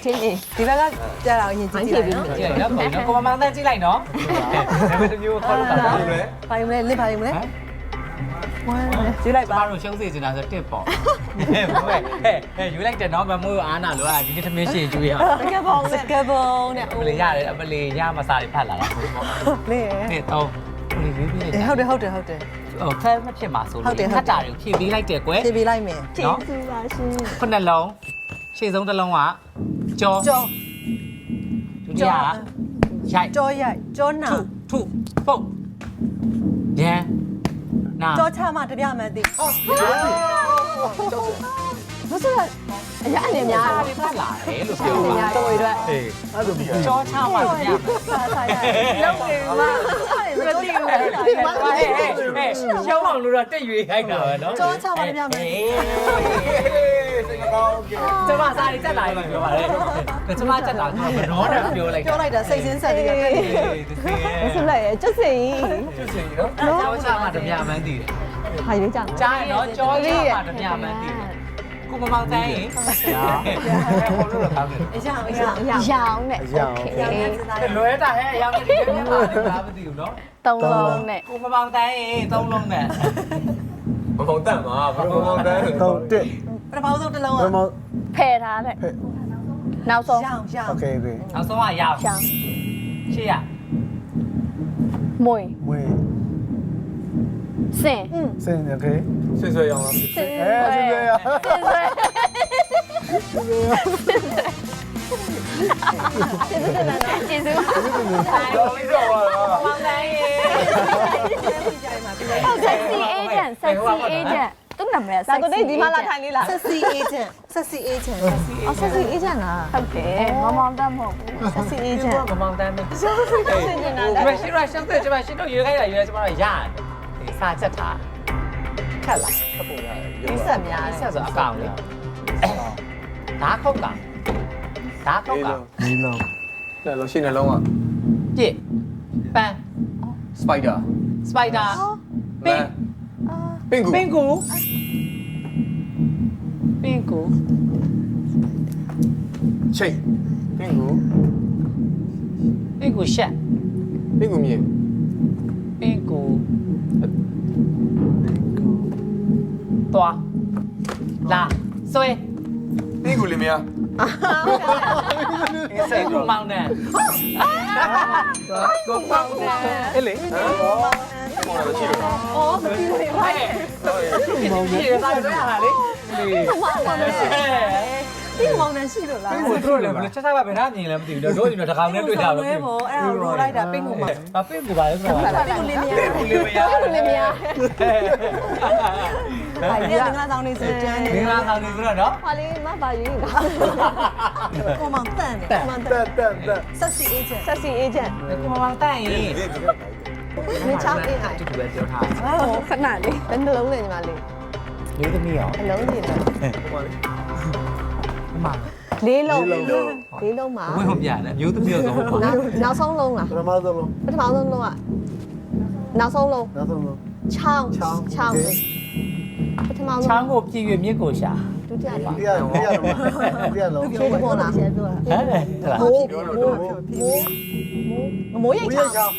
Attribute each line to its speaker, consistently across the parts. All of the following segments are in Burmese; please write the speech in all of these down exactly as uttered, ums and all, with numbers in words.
Speaker 1: ချင်းကြီး
Speaker 2: ဒီဘက်ကကြာတော့အရင်ကြည့်ကြည့်လိုက်နော်
Speaker 3: ကြည့်လိုက်နော်ပုံနော်ကိုမမောင်တန်းကြည့်လိုက်နော်ဒါပေမဲ့တမျိုးခေါ်လို့တာဘာလို့လဲ
Speaker 2: ဘာယူမလဲလစ်ဘာယူမလဲဝမ်းကြည့်လိုက်
Speaker 3: ကျ
Speaker 2: ပါ
Speaker 3: မတို့ရှုံးစေချင်တာဆိုတစ်ပေါ့ဟဲ့ဟဲ့ဟဲ့ယူလိုက်တယ်နော်မမိုးအားနာလို့အာဒီနေ့သမင်းရှင်ကျွေးရအောင်
Speaker 2: စကပုံစကပုံနဲ့
Speaker 3: အမလေးရတယ်အမလေးရမစားတွေဖတ်လာတာပေါ့
Speaker 2: လေ
Speaker 3: နေ့တော့အမလေးရွေးပြီးလိုက်
Speaker 2: ဟုတ်တယ်ဟုတ်တယ်ဟုတ်တယ်
Speaker 3: ဟိုဖဲမဖြစ်မှာဆိုလို့ခတ်တာတွေဖြည့်ပေးလိုက်တယ်ကွယ်
Speaker 2: ဖြည့်ပေးလိုက်မယ်
Speaker 1: ကျေးဇူးပါရှင်
Speaker 3: ခုနှစ်လုံးရှေ့ဆုံးတစ်လုံးကကြော
Speaker 2: ကြော
Speaker 3: ဒုတိယကရိုက်
Speaker 2: ကြောရိုက်ကြောနာ
Speaker 3: ထုထုပုတ်ရန်နာ
Speaker 2: ကြောချမှတပြမှန်းသိဟုတ်
Speaker 1: မဆိုတော့အရာအနေများ
Speaker 3: အားတွေဖတ်လာတယ်လို့ပြော
Speaker 2: တယ်
Speaker 3: တာ
Speaker 2: ညာတော်ရွယ်
Speaker 3: အေး
Speaker 4: အဲ့လိုပြီးရ
Speaker 3: ကြောချမှာဗျာ
Speaker 2: စားစားရလုံးနေမှာမသိဘူး
Speaker 3: ဟဲ့ဟဲ့ဟဲ့ရှောင်းအောင်လို့တော့တက်ရွေးခိုင်းတာပဲနော်
Speaker 2: ကြောချမှတပြမှန်းသိ
Speaker 4: စိတ်ကောင်းကဲ
Speaker 3: ကျမစားရေးတက်လာပြီပြောပါလေကျမတက်လာတော့ဘရောနဲ့ပြောလိုက်
Speaker 2: ပြောလိုက်တာစိတ်စင်းဆက်တွေကတက်နေတယ်
Speaker 1: မဆိုလိုက်ရဲ့ကျွတ်စင်ကြီး
Speaker 4: ကျွတ်စင်နော်
Speaker 3: ကြောချမှာတပြမှန်းတည်တယ်
Speaker 1: ဟာရွေးကြတယ်
Speaker 3: ကြားရနော်ကြောချမှာတပြမှန်းတည်တယ်ကိုမမောင်တိုင်းရင်ဟိုလိုတော့ကောင်းတယ်
Speaker 2: အရာအရာအရာ
Speaker 1: ရောင်းနဲ့
Speaker 2: အရာစဉ်းစားရ
Speaker 3: လွဲတာဟဲ့အရောက်နေတယ်မှာလားမသိဘူးနော်
Speaker 1: သုံးလုံးနဲ့
Speaker 3: ကိုမမောင်တိုင်းရင်သုံးလုံးနဲ့
Speaker 4: မမောင်တန်မှာဘယ်လိုမောင်တန်တော့တက်
Speaker 2: ပထမဆုံးတစ်လုံး
Speaker 4: ဘယ်
Speaker 2: က
Speaker 4: မောင်
Speaker 1: ဖယ်ထားတဲ့နောက်ဆုံး
Speaker 2: ရောင်ရောင်
Speaker 4: โอเคပြီ
Speaker 3: နောက်ဆုံးကရောက်
Speaker 1: ရောင်း
Speaker 3: ရှေ့ရ
Speaker 1: မွေ
Speaker 4: မွေး
Speaker 1: စင်
Speaker 4: စင်โอเคဆွဆွရအောင်လား
Speaker 1: စင်
Speaker 4: အဲဆွဆွရ
Speaker 1: စင်ဆွဲကျေးဇူးပါ
Speaker 4: တော့ပြီးတော့ပါလား
Speaker 3: မောင်တိုင်းရင်
Speaker 1: sexy agent sexy agent သူ့နာမည်
Speaker 2: ဒါ
Speaker 1: sexy
Speaker 2: ကိုတိတ်ဒီမှာလာထိုင်လေးလား sexy agent sexy agent
Speaker 1: အော် sexy agent လားဟုတ်တယ်မမောင်တတ်မဟုတ်ဘူး sexy agent
Speaker 3: မမောင်တိုင်းပဲ
Speaker 2: ဆင်ကျင်တာ
Speaker 3: ဒီမှာရှင်းရရှင်းတယ်ဒီမှာရှင်းတော့ရွေးခိုင်းတာရွေးကျမတို့ရတယ်ဒီစာချက်ထားခက်လားခက်ပုံရတယ်
Speaker 2: ဒီဆက်များ
Speaker 3: ဒီဆက်ဆိုအကောင်လေဓာခုတ်ကောင်ဓာခုတ်ကောင်
Speaker 4: ဒီလုံးလဲလို့ရှိနေလုံးက
Speaker 3: ပြစ်ပန်း
Speaker 4: စပိုက်ဒါ
Speaker 3: စပိုက်ဒါပင်
Speaker 4: ပင်ကူ
Speaker 3: ပင်ကူပင်ကူ
Speaker 4: ချိတ်ပင်ကူ
Speaker 3: ပင်ကူရှက်
Speaker 4: ပင်ကူမြေ
Speaker 3: ပင်ကူသွားလာဆွဲ
Speaker 4: ပင်ကူလေးမယား
Speaker 3: စိတ်ကူမောင်းတယ်ကိုမောင်းတယ်အဲ့လေ
Speaker 4: ဟောမောင်လာရှိလို့
Speaker 2: အော်မပြီးဘူးလေ
Speaker 3: ဟဲ့ဒီမောင်းတယ်ဒီစားရတာလေဒီမောင်းတယ်
Speaker 2: ဒီမောင်နှံရှိလို့လား
Speaker 3: ဟိုတို့လည်းဘယ်လိုချက်စားပါဘယ်နှမြင်လဲမသိဘူးတို့ဒီတော့တကောင်နဲ့တွေ့ကြတော့
Speaker 2: ပဲပေါ့အဲ့ဒါရိုးလိုက်တာပင့်ကူမှာ
Speaker 3: ဘာပင့်ကူပါလဲဆိုတော့
Speaker 2: ပင့်ကူလေးမရ
Speaker 3: ပင့်ကူလေးမရ
Speaker 1: လေးမရ
Speaker 2: ဘာလဲငါးဆောင်နေစကြမ်းနေ
Speaker 3: မင်္ဂလာဆောင်နေဆိုတော့နော်
Speaker 1: ဟာလေးမပါရေးတာ
Speaker 2: ကိုမောင်တန်တယ်ကိုမောင်တ
Speaker 4: တက်
Speaker 2: န်
Speaker 4: တက်တက်
Speaker 2: sexy agent
Speaker 1: sexy agent
Speaker 3: ကိုမောင်တန့်ရင်
Speaker 2: မင်းချောင်းအေးအိုင်
Speaker 3: တူတူပဲပြောထား
Speaker 1: ဟိုခဏလေးဘယ်နှလုံးလဲညီမလေး
Speaker 3: လေးသမီးရော
Speaker 1: အလုံးကြီးလား
Speaker 3: မမ
Speaker 1: လေးလုံးလေးလုံးမှာ
Speaker 3: ဝင်းဟောပြတယ်မျိုးသမီးရောဆိုဟုတ်ပါ
Speaker 1: နောက်နောက်ဆုံးလုံးလား
Speaker 4: ပထမဆုံးလုံး
Speaker 1: ပထမဆုံးလုံးကနောက်ဆုံးလုံး
Speaker 4: နောက်ဆုံးလုံး
Speaker 1: ချောင်းချောင်းပထမဆုံး
Speaker 3: ချောင်းကိုပြည့်ရွမြစ်ကိုရှာ
Speaker 1: ဒုတိယလေး
Speaker 4: ဒီရဒီရလုံးဒီရလုံး
Speaker 1: ဖြေပေါ်လားဖြေပြော
Speaker 3: ဟဲ့ဟဲ့လား
Speaker 1: မိုး
Speaker 4: ပြောလို့
Speaker 1: မိုး
Speaker 2: မိုးရိတ်
Speaker 4: ဦး
Speaker 2: ချော
Speaker 4: ရ
Speaker 2: င်း
Speaker 4: ချောင်း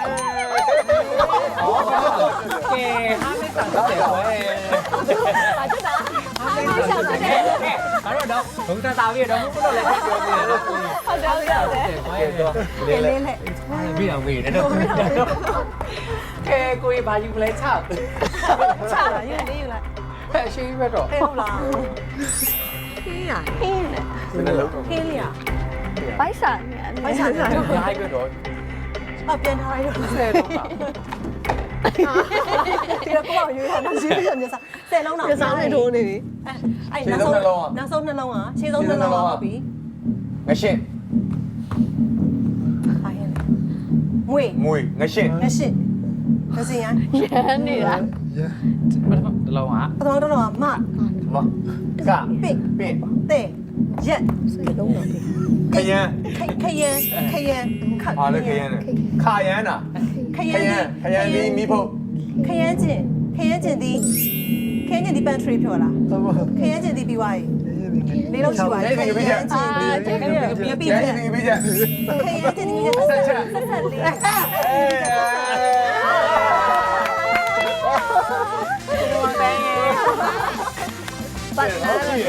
Speaker 3: อ๋อကဲဟာမေကန်တယ်ကွယ်
Speaker 1: ပါတက်တာဟာမရှောက်တယ်
Speaker 3: အဲ့တော့တော့ဘုံတာတာပြီးတော့ဘုံတော့လည်းပြောနေတယ်လို့
Speaker 1: ဟုတ်တယ်ဟုတ်တယ်
Speaker 3: ကွယ်
Speaker 2: လေးလေးလေး
Speaker 3: ပြီးတော့ဝေးတယ်တော့ကဲကိုကြီးဘာယူလဲချောက်
Speaker 2: ချာယူလေးယူလိုက်
Speaker 3: ဖက်ရှိပဲတော့
Speaker 2: ဟဲ့ဟုတ်လားခင်းရ
Speaker 1: ဟင်းနဲ့
Speaker 4: ဒီနေ့လုံး
Speaker 2: ခင်းလေးရ
Speaker 1: ပိုက်စာနဲ့
Speaker 2: ပိုက်ဆံနဲ့
Speaker 3: ရိုင်းပဲတော့
Speaker 2: အပြန်ထားလိုက်တော့
Speaker 3: ဆယ်တော့ပါ
Speaker 2: ဒီတော့ကိုအောင်ရွေးတာမရှိဘူးညစားဆယ်လုံးတော့
Speaker 1: ပြစားနေထိုးနေပြီ
Speaker 2: အဲ့နောက်ဆုံးနောက်ဆုံးနှလုံးကခြေဆုံးနှလုံးကဟုတ်ပြီ
Speaker 4: ငရှင်း
Speaker 2: အားရမွေ
Speaker 4: မွေငရှင်း
Speaker 2: ငရှစ်ငစင်ရ
Speaker 1: ရမ်းနေတာ
Speaker 3: တလုံးက
Speaker 2: ပထမတော့မ
Speaker 4: မက
Speaker 2: ပင့်
Speaker 4: ပင့်
Speaker 2: တဲ့ရက်
Speaker 1: စိတ်လုံးတော့ပြီ
Speaker 4: ခရမ်း
Speaker 2: ခယံခယံခ
Speaker 4: ဟာလေခရမ်းခါရမ်းတာ
Speaker 2: ခ
Speaker 4: ခ
Speaker 2: ယံ
Speaker 4: ရမ်းခရမ်းဒီမိဖို့
Speaker 2: ခယံကျင်ခယံကျင်ဒီခယံကျင်ဒီ pantry ပြောလား
Speaker 4: ဟုတ်ပါ
Speaker 2: ခယံကျင်ဒီပြီးသွားပြီ
Speaker 4: ရ
Speaker 2: လေးလုံးရှိပါ
Speaker 4: ရို
Speaker 2: တယ်
Speaker 4: က်နေပြီချက်
Speaker 1: အာကျေးဇူး
Speaker 2: ပြပြ
Speaker 4: ရို
Speaker 2: ပြ
Speaker 4: က်
Speaker 2: ချက်
Speaker 4: နေပြီချက်
Speaker 2: ခေရတဲ့ဒီကဆက်ဆက်ဆက်ဆက်လေး
Speaker 1: ပတ်နာ
Speaker 3: ဟဲ့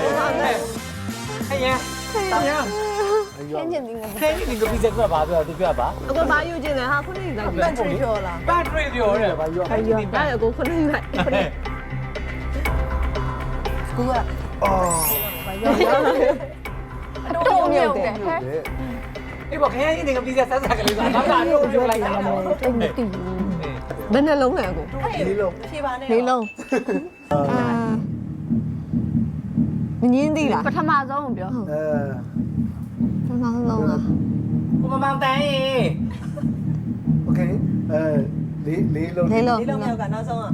Speaker 3: ရတောင်းရ
Speaker 1: ခင်းချင်တယ်ငါ
Speaker 3: ခဲဒီကပီဇက်ကပါပြောသူပြောပါ
Speaker 1: အခုဘာယူချင်လဲဟာခုနကလိုက်
Speaker 2: ပန့်ထရီပြောလား
Speaker 3: ပတ်ထရီပြောတယ်ဘာပြော
Speaker 1: ဘာယူဒါရကိုခုနကလိုက်ခုနက
Speaker 2: ကူက
Speaker 1: တော့မြုပ်တယ်ဟဲ့
Speaker 3: အေးဘောခဲဒီကပီဇက်ဆက်ဆက်ကလေးကဘာကတော့ပြောလိုက်တာ
Speaker 1: တိတ်မသိဘူးဘယ်နှလုံးလဲကို
Speaker 2: လေးလုံးဖြေပါနဲ့
Speaker 1: လေးလုံးအာမငင်းသေးလား
Speaker 5: ပထမဆုံးကိုပြော
Speaker 1: ပထမဆုံးလား
Speaker 3: ကိုမမောင်တန်းရေ
Speaker 6: โอเคအဲလေးလေးလုံး
Speaker 1: လေးလုံး
Speaker 2: လေးလုံးမြောက်ကနောက်ဆုံးอ่ะ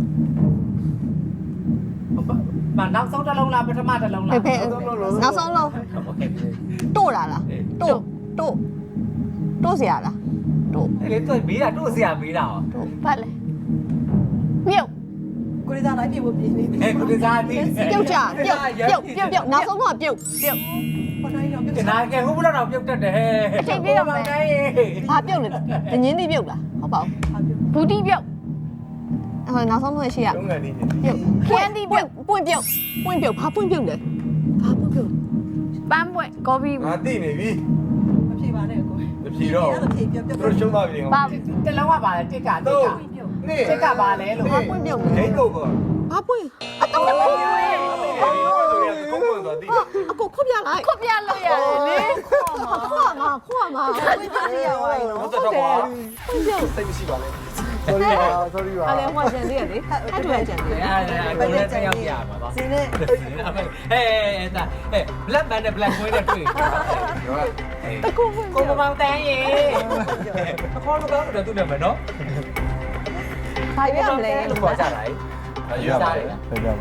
Speaker 3: မနောက်ဆုံးတစ်လုံးလားပထမတစ်လုံးလား
Speaker 1: ဖေဖေနောက်ဆုံးလုံးတို့လာလားတို့တို့တို့เสียလားတို့
Speaker 3: အဲ့လေသူမေးတာတို့ဆရာမေးတာဟော
Speaker 1: တို့
Speaker 5: ဘာလဲမြုပ်
Speaker 2: ကိုရီးယားလိုက်ပြေဖို့ပြင်းနေပြီ
Speaker 3: အဲ့ကိုဒီစားတိ
Speaker 1: ပြုတ်ကြပြုတ်ပြုတ်ပြုတ်ပြုတ်နောက်ဆုံးတော့ပြုတ်ပြုတ်
Speaker 2: ပေါ်တိုင်းတော့ပြုတ်
Speaker 3: ကနာကဲဟိုဘလောက်တော့ပြုတ်တတ်တယ်ဟဲ့မောင်တန်းရေ
Speaker 1: ဘာပြုတ်လဲငင်းသေးပြုတ်လားဟုတ်ပါဘူး
Speaker 5: ဘူတီမြုပ်
Speaker 1: ဟိုနောက်ဆုံးတော့ရှိရ
Speaker 4: လုံးငယ်နေနေ
Speaker 1: ပြုတ်ခင်းဒီပြုတ်ပွင့်ပြုတ်ပွင့်ပြုတ်ဘာပွင့်ပြုတ်လဲဘာပွင့်ပြုတ်
Speaker 5: ပန်းပွင့်ကော်ဖီ
Speaker 4: ငါတိနေပြီ
Speaker 2: မဖြေပါနဲ့ကို
Speaker 4: မဖြေတော့
Speaker 2: ဖြေပြပြ
Speaker 4: သူတို့ရှုံးသွားပြီငါ
Speaker 5: ပါ
Speaker 3: တစ်လုံးကပါလေတစ်ကတစ်
Speaker 4: တော့
Speaker 3: က
Speaker 4: နေ
Speaker 3: တစ်ကပါလေလို့
Speaker 1: ဘာပွင့်ပြုတ်
Speaker 4: ဒိ
Speaker 1: လဲ
Speaker 4: တ်လို့ကော
Speaker 1: ဘာပွင့်
Speaker 4: အော်ဆိုရင်ကုန်းကုန်းသွားတိ
Speaker 1: အကိုခုတ်ပြလိုက်
Speaker 5: ခုတ်ပြလို့ရတယ်လေ
Speaker 1: ခွာမှာခွာမှာ
Speaker 2: ပွင့်ပြရပါရော
Speaker 4: တော့တော့ကွာ
Speaker 1: ပွင့်ပြုတ်
Speaker 4: စိတ်မရှိပါနဲ့
Speaker 6: sorry ပါ sorry ပါ
Speaker 1: အဲ့လေဟိုကျန်သေးရလေအဲ့တူရကျန်သေး
Speaker 3: အဲ့ဒါကိုလည်းဆက်ရောက်ပြရမှာပါ
Speaker 2: စင်းနဲ့
Speaker 3: ဟဲ့အဲ့ဒါဟဲ့ black man နဲ့ black boy နဲ့တွေ့တကူကိုမမောင်တန်းရေအခေါ်လို့ကောင်းတယ်သူနဲ့မယ်နော်
Speaker 1: ဘာပြရမလဲ
Speaker 3: လို့ခေါ်ကြတာလေ
Speaker 4: အရွာပါလေ
Speaker 6: ဟုတ်ကြပါ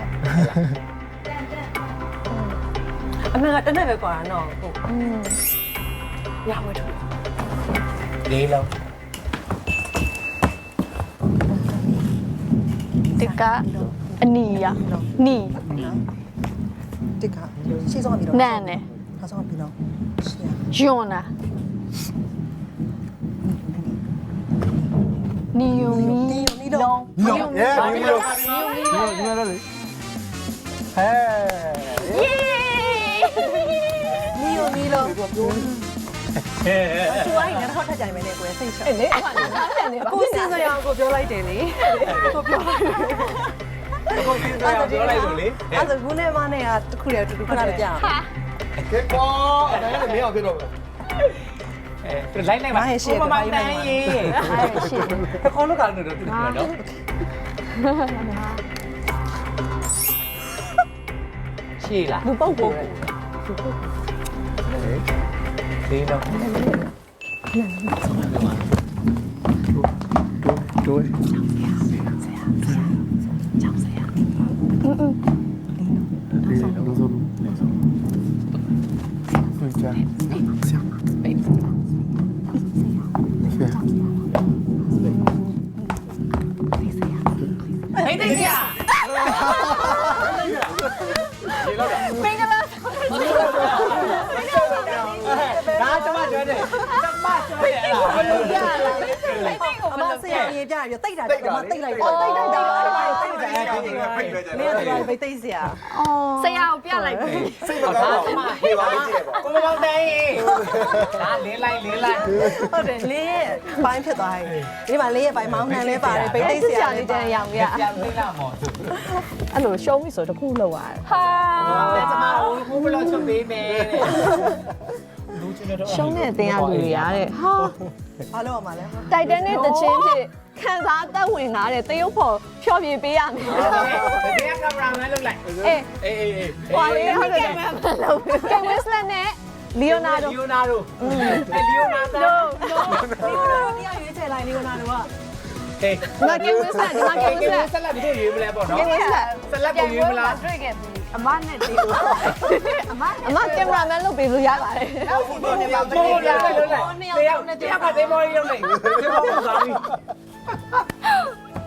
Speaker 2: အမေကတနေ့ပဲကွာနော်ဟုတ်
Speaker 1: อืม
Speaker 2: ရဝဲထုတ်
Speaker 3: လေးလုံး
Speaker 5: ဒီကအနီရနီ
Speaker 2: တစ်ခါရှေ့ဆုံးကပြီးတော့
Speaker 5: နန်နဲ့
Speaker 2: နောက်ဆုံးကပြီးတော့ရှေ့
Speaker 5: ယွန်နာနီယုံမီ
Speaker 2: ဒီနီလုံး
Speaker 6: ဒီလို yeah ဒီလိုဒီလိုဒီလိုလေဟဲ
Speaker 5: ယေ
Speaker 2: နီယိုနီလုံး
Speaker 3: ဟဲ့
Speaker 2: သူအဲ့ငါတော့ထပ်ကြိုင်မယ်နဲ့ကိုယ်စိတ်ချ
Speaker 1: အဲ့လေအခုကစားပြန်နေပါ
Speaker 2: အခုစင်းစရာကိုပြောလိုက်တယ်လေကိုပြောလိုက်
Speaker 3: ကိုစီးစားပြောလိုက်လို့လေ
Speaker 2: အဲ့ဒါခုနဲ့မနဲ့ကတခုတည်းတူတူခဏလေးကြာ
Speaker 5: ဟာ
Speaker 4: ကဲကွာအဲ့ဒါလည်းမင်းအောင်ပြတော့
Speaker 3: အဲလိုက်လိုက်ပါကိုမမောင်တန်းရေ
Speaker 5: အဲ့ရှေ့
Speaker 3: အခေါ်လို့ကောင်းတယ်တော့သူနဲ့နော်ရှေ့လား
Speaker 1: လူပုတ်ကို
Speaker 3: လေးလုံး
Speaker 6: တို့
Speaker 5: อืม
Speaker 6: လေးလုံးလုံးလုံးဟုတ်ကြဆရာဆရာ
Speaker 3: ဟိတ်တိတ်ရ
Speaker 5: မင်္ဂလာ
Speaker 3: ဒါကျမပြောတယ်ကျမပြောတယ်အဲ့ဒါ
Speaker 2: ရလာအမဆရာကြီးပြရတိတ်တာကမတိတ်လိုက်တော့တိတ်တိတ်တိတ်အဲ့ဒါတိတ်တယ်မင်းကပဲတိတ်စရာ
Speaker 5: ဆရာကိုပြလိုက်ပြီ
Speaker 4: စိတ်မကောင်းပါဘူးဟေးပါလေးကြည့်ပါ
Speaker 3: ကိုမမောင်တိုင်းဒါလေးလိုက်လေးလိုက်
Speaker 2: ဟုတ်တယ်လေးရဲ့ဘိုင်းဖြစ်သွားပြီဒီမှာလေးရဲ့ဘိုင်းမောင်းနှံလဲပါတယ်ဗိတ်တိတ်စရာလေးတန်းရောင်ရ
Speaker 3: ပြန်သိလာမော်သူ
Speaker 1: အဲ့လိုရှုံးပြီဆိုတခုလောက်ရတယ်
Speaker 5: ဟာ
Speaker 3: ကျမဟိုဘလောက်ချုပ်ပေးမယ်လူချင်းတော့
Speaker 1: ရှုံးတဲ့အတင်းအလူတွေရတဲ့ဟာ
Speaker 2: ဘာလို့အောင်မလဲ
Speaker 1: တိုက်တန်နဲ့တချင်းဖြစ်ခံစားအသက်ဝင်လာတဲ့တရုပ်ဖော်ဖြောပြပေးရမယ်
Speaker 3: ဒီကကင်မရာမန်လုပ်လိုက်
Speaker 1: အေး
Speaker 3: အေးအေးအေး
Speaker 1: ဟွာလေးဟုတ်တယ်ကင်ဝစ်လက်နဲ့လီယိုနာဒို
Speaker 3: လီယိုနာဒိုအဲလီယိုနာဒို
Speaker 2: လီယိုနာတို့တရားရွေးချယ်လိုက်လီယိုနာတို့က
Speaker 3: ဟေး
Speaker 1: ငါကင်ဝစ်လက်ငါကင်ဝစ်လက်
Speaker 3: ဆက်လက်ပြီးရွေးမလဲပေါ့နော်
Speaker 1: ကင်ဝစ်လက်
Speaker 3: ဆက်လက်ကိုရွေးမလား
Speaker 5: တွေ့ခဲ့ပြီအမနဲ့တေးအမ
Speaker 1: အမကင်မရာမန်လုပ်ပေးလို့ရပါတယ်
Speaker 5: နောက်ဒီနေ့မှာ
Speaker 3: ဘောရလိုက်လိုက်တယောက်တယောက်ကသိမော်ရီလုပ်လိုက်ဒီဘောကစားပြီ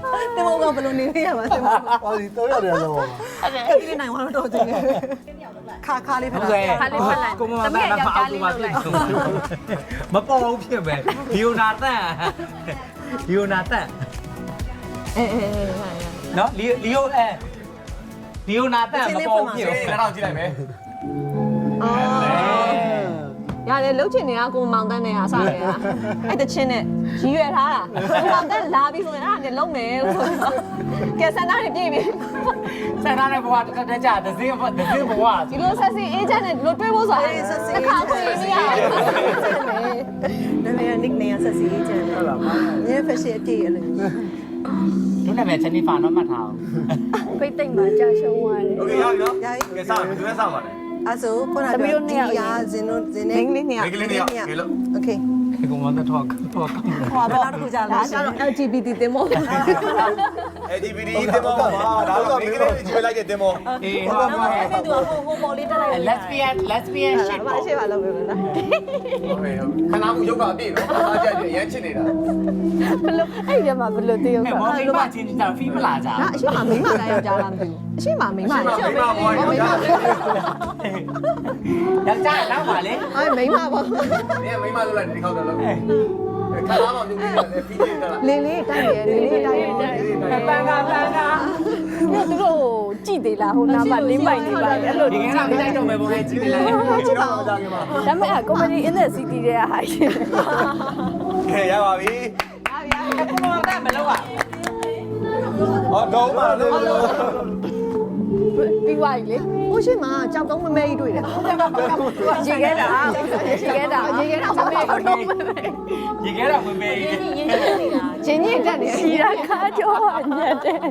Speaker 2: တင်မောကဘယ်လိုနေနေရမှာတင်မော
Speaker 6: ဟောဒီတော့ရတယ်လော
Speaker 2: ကတိနိုင်သွားတော့တင်ခါခါလေးဖက်
Speaker 3: ဟုတ်ကဲ့ကိုမမသားကဖောက်ကူပါဖြစ်မပေါ်ဘူးဖြစ်ပဲဒီယိုနာတန်ဒီယိုနာတန်
Speaker 1: အေးအေးအေး
Speaker 3: နော်လီလီယိုအဲလီယိုနာတန်မပေါ်ဘူးဖြစ်
Speaker 4: နားထောင်ကြည့်လိုက်မယ်
Speaker 1: အော်ရတယ်လှုပ်ချင်နေတာကိုမောင်တန်းနဲ့ဟာစားနေတာအဲ့တချင်းနဲ့ရည်ရွယ်ထားတာကိုမောင်တန်းလာပြီဆိုရင်အဲ့ဒါနဲ့လုံးမယ်ဆိုတော့ကဲဆန္ဒနဲ့ပြည့်ပြီ
Speaker 3: ဆန္ဒနဲ့ဘဝတက်တက်ကြဒဇင်းဘဒဇင်းဘဝ
Speaker 1: ဒီလိုဆက်စီအေဂျင့်နဲ့ဒီလိုတွေးဖို့ဆိုတာတစ်ခါခွင့်မရဘူး
Speaker 2: နာမည် nickname ဆက်စီကျန်ဟုတ်လားညဖက်ရှင်အပြည့်အဲ့လို
Speaker 3: တို့နာမည်ချန်နီဖာတော့မှတ်ထားအောင်
Speaker 5: ဖိတ်သိမ့်မှာကြာရှုံးသွားတယ်
Speaker 4: โอเคရပြီနော်ကဲစမယ်ဘယ်သူလဲစပါလဲ
Speaker 2: အဲ့ဆိုခုနကဒီရာဇင်းတို့ဇင်းနေ
Speaker 1: မင်းလေးနှစ်ယောက်
Speaker 4: မိကလေးနေရကဲလို့
Speaker 2: โอเค
Speaker 3: ကိုမတော့တော့တော့
Speaker 2: ဟောဘယ်တော့တခုကြာ
Speaker 1: ဒါ
Speaker 2: လို့
Speaker 1: ကျတော့ L G B T တင်မို့
Speaker 4: အေဒီဗီဒီတင်မောပါဒါတော့မိကလေးကြီးလိုက်တဲ့တင်မော
Speaker 3: အေး
Speaker 2: ဟုတ်ပါဘူးအဲ့ဒါဟိုဟိုပေါ်လေးတက်လိုက်
Speaker 3: lesbian lesbian shit
Speaker 1: ဘာရှိပါလို့ပြောလား
Speaker 4: ဟုတ်ပြီခဏမှုရုပ်ကအပြည့်နော်အားကြရရမ်းချစ်နေတာ
Speaker 5: ဘလို့အဲ့ဒီမှာဘလို့တည်ရောက်
Speaker 3: ဟဲ့
Speaker 5: တာ
Speaker 3: မောင်လေးမချင်းချင်းတာဖီးမလာကြ
Speaker 1: ဒါအရှိမမိန်းမလားယောက်ျားလားမသိဘူးအရှိမမိန်းမလား
Speaker 4: မိမဘွားယောက်ျား
Speaker 3: ယောက်ျားတော့ပါလေ
Speaker 1: အဲ့မိန်းမပေါ့
Speaker 4: နင်ကမိမလို့လိုက်ဒီခေါက်တော့လို့ခဏမှမြုပ်ပြီးတယ်ဖီးနေတာလား
Speaker 1: လင်းလေးတိုက်ရယ်လင်းလေးတိုက်ရယ်
Speaker 3: ပန်ကပန်က
Speaker 5: မြို့သူတို့ကြည်သေးလားဟိုနားမှာလင်းပိုင်နေပါအဲ့လို
Speaker 3: ဒီကနေ့မလိုက်တော့မယ်ဘုံလေးကြည့်လိုက်
Speaker 4: ကျွန်တော်ကြောင်ကမှာ
Speaker 5: ဒါပေမဲ့ comedy in the city တဲ့ဟာရှင်
Speaker 4: ကဲရပါပြီ
Speaker 3: ကိုမမမလောက်อ่ะ
Speaker 4: ဟောတော့ပါလို့
Speaker 5: ပြီးသွားပြီလေ
Speaker 1: ဟိုရှိမှာကြောက်တုံးမမဲကြီးတွေ့တယ်
Speaker 5: ရေခဲတာရေခဲတာရေခဲတာမမေတော့
Speaker 3: ရေခဲတော့ဝင်ပေး
Speaker 1: ချင်းချင်းတက်နေ
Speaker 5: ကြီးတာခါကြောညက်တယ်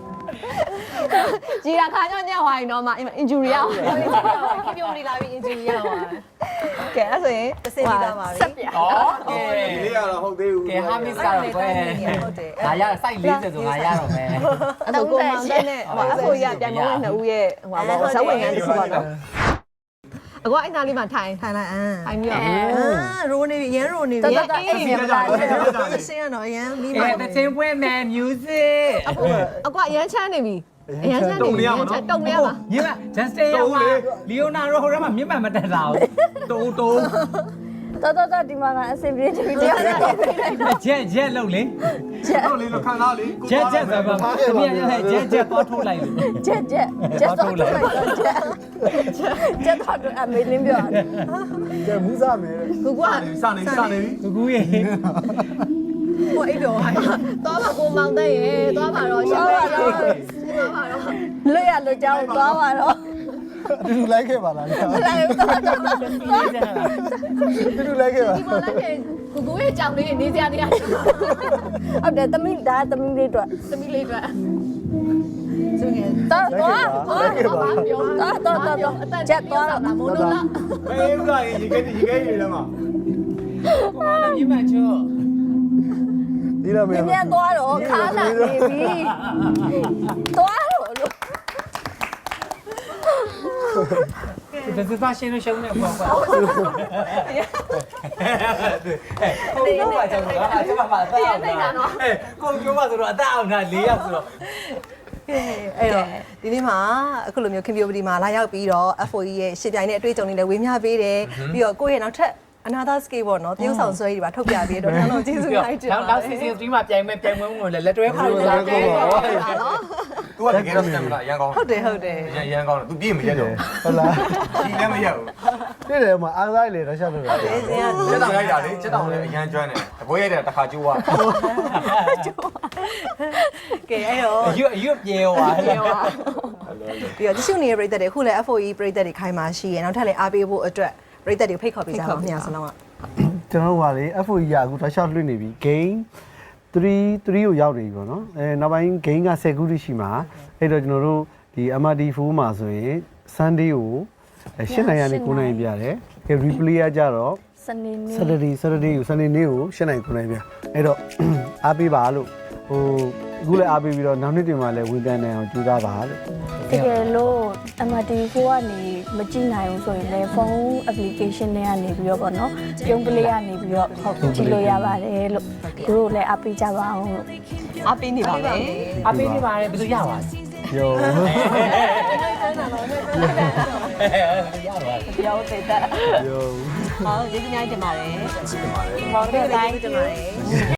Speaker 1: ကြီးတာခါကြောင့်ညက်သွားရင်တော့မှ injury ရအောင်
Speaker 2: ခေပြုံးနေလာပြီး injury ရသွား
Speaker 1: ကဲအဲ့ဆိုရင်
Speaker 2: တစ်စင်းပြီးသားပါပြီ
Speaker 5: ဆက်ပြ
Speaker 3: ဩကဲ
Speaker 4: ဒီလေးကတော့ဟုတ်သေးဘူး
Speaker 3: ကဲဟာမစ်ကတော့ကွယ်ငါရစိုက်လေးစဆိုငါရတော့မယ်
Speaker 1: အဲ့ဆိုကိုမောင်တဲ့နဲ့ဟိုအဖိုးရပြန်မဝင်နှစ်ဦးရဲ့ဟိုပါဇက်ဝင်ငန်းတစ်ခုပါတော့အကွာအဲ့နာလေးမှာထိုင်
Speaker 2: ထိုင်လိုက်အမ်
Speaker 1: ထိုင်ပြီးတော့
Speaker 2: အာရိုးနေပြီရန်ရိုးနေပြီ
Speaker 5: တော်တော်အဲ့ဒီမှာ
Speaker 2: စင်းရတော့ရန်မိမ
Speaker 3: အဲတချင်းပွဲမယ် music
Speaker 1: အကွာရမ်းချမ်းနေပြီအရမ်းချမ်းနေပြီတုံနေရပါ
Speaker 3: ညီမ just stay ရောလီယိုနာရိုဟိုရမှာမြင့်မှန်မတက်တာဘူးတုံတုံ
Speaker 5: တော်တော်တော်ဒီမှာကအဆင်ပြေတယ်တရားရတယ်
Speaker 3: ရက်ရက်လုံးလေ
Speaker 4: ဟုတ်လေလို့ခံစားလေ
Speaker 3: ရက်ရက်ဆိုပါတမီးရက်ရက်ရက်တော့ထိုးလိုက်လို့
Speaker 5: ချက်ချက်ချက်တော့လိုက်ချက်ချက်တော့အမေလင်းပြောတယ်
Speaker 6: ကဲမူးစားမယ်
Speaker 1: ကိုကွာ
Speaker 4: စနေစနေပြီ
Speaker 3: ကူကူရေ
Speaker 2: ဟိုအိပ်တော့ဟိုင်း
Speaker 1: သွားပါကိုမောင်တဲ့ရေသွားပါတော့ရှင်းပါတော့ရှင်းပါတော့
Speaker 5: လွတ်ရလွတ်ကြောင်းသွားပါတော့
Speaker 6: အတူတူလိုက်ခဲ့ပါလား
Speaker 1: မလာဘူးတော့တော့
Speaker 6: အတူတူလိုက်ခဲ့ပါ
Speaker 1: ဒီပေါ်လိုက်ခဲ့ကိုကိုရဲ့ကြောင်လေးနေစရာနေရာ
Speaker 5: ဟုတ်တယ်သမီးဒါသမီးလေးတို့
Speaker 1: သမီးလေးအတွက်
Speaker 2: သူငယ်
Speaker 5: တော့တော့
Speaker 6: လိုက်ခဲ့ပါ
Speaker 1: ပြော
Speaker 5: တော့တော့တော့ချက်သွားတော့
Speaker 1: မိုးလို့လား
Speaker 4: အေးဥစားရေခဲရေခဲရေလည်းမ
Speaker 3: ကိုမလည်းမြင့်မှန်ချော
Speaker 6: ဒီလိုမျိုး
Speaker 5: မြန်သွားတော့ခါလာနေပြီသွားတော့လို့
Speaker 3: ဒီစပါရှင်လို့ရှုံးနေပေါ့ကွာဟဲ့ကိုပြောပါကြောင်လားအကျမပါတော့ဟဲ့ကိုပြောပါဆိုတော့အသက်အောင်တာ၄ယောက်ဆိုတော့
Speaker 2: အဲ့တော့ဒီနေ့မှာအခုလိုမျိုးခင်ဗျိုပဒီမှာလာရောက်ပြီးတော့ F O E ရဲ့ရှစ်ပြိုင်နဲ့အတွေ့အကြုံတွေလည်းဝေမျှပေးတယ်ပြီးတော့ကိုယ့်ရဲ့နောက်ထပ်အနာသာစကေပေါ့နော်တရုပ်ဆောင်ဆွဲကြီးတွေပါထုတ်ပြပေးတော့ကျွန်တော်ကျေးဇူးများတင်ပါ
Speaker 3: နောက်နောက် season 3မှာပြိုင်မဲ့ပြိုင်ပွဲဝင်လည်းလက်တွဲခေါ်လာတယ်
Speaker 4: သူကတကယ်တော့စံမလားအရန်ကောင်း
Speaker 2: ဟုတ်တယ်ဟုတ်တယ်
Speaker 4: ရန်ရန်ကောင်းတယ်သူပြည့်မရက်တော့
Speaker 6: ဟုတ်လား
Speaker 4: ဒီလည်းမရက်ဘူး
Speaker 6: တွေ့တယ်မှာအားစားလေတော့ရှောက်လို့ရတယ်
Speaker 2: ဒီစင်က
Speaker 4: ချက်တောင်ရိုက်တာလေချက်တောင်လည်းအရန်ကျွမ်းတယ်အပွဲရိုက်တယ်တစ်ခါကျိုးသွား
Speaker 2: ကဲအဲ့တော့
Speaker 3: အရွတ်အရွတ်ပြေသွားတယ်
Speaker 2: ပြီးတော့တ िश နေတဲ့ပြည်သက်တွေအခုလည်း F O E ပြည်သက်တွေခိုင်းမှာရှိရယ်နောက်ထပ်လည်းအားပေးဖို့အတွက်ပြည်သက်တွေဖိတ်ခေါ်ပေးကြပါဦးများစလုံးက
Speaker 6: ကျွန်တော်တို့ကလေ F O E ကအခုတော့ရှောက်လွှင့်နေပြီ game 3 3ကိုရောက်နေပြီပေါ့နော်အဲနောက်ပိုင်း game က10ခုတိရှိမှာအဲ့တော့ကျွန်တော်တို့ဒီ M R D 4မှာဆိုရင် Sunday ကိုရှင်းနိုင်ရနေ9နိုင်ပြတယ်ကဲ replay ကကြတော့
Speaker 5: စနေနေ့
Speaker 6: Saturday Saturday ကို Sunday နေ့ကိုရှင်းနိုင်9နိုင်ပြအဲ့တော့အားပေးပါလို့ဟိုအခုလည်းအားပေးပြီးတော့နောက်နေ့တင်မှာလည်းဝန်တန်းနိုင်အောင်ကြိုးစားပါလို့
Speaker 5: တကယ်လို့ M R T ကိုကနေမကြည့်နိုင်ဘူးဆိုရင်လည်းဖုန်း application တွေကနေပြီးတော့ပေါ့နော်ပြုံးကလေးကနေပြီးတော့ဟုတ်ကြည့်လို့ရပါတယ်လို့သူတို့လည်းအပိကြပါအောင်လို့
Speaker 1: အားပေးနေပါမယ်
Speaker 3: အပေးနေပါတယ်ဘယ်သူရပါလဲ
Speaker 6: ယော
Speaker 3: ရပါ
Speaker 1: ပြောသေးတယ်
Speaker 6: ယော
Speaker 1: ဟောကျေးဇူးများတင်ပါတယ်
Speaker 2: ဟောတယ်တိုင်းတင်ပါတယ်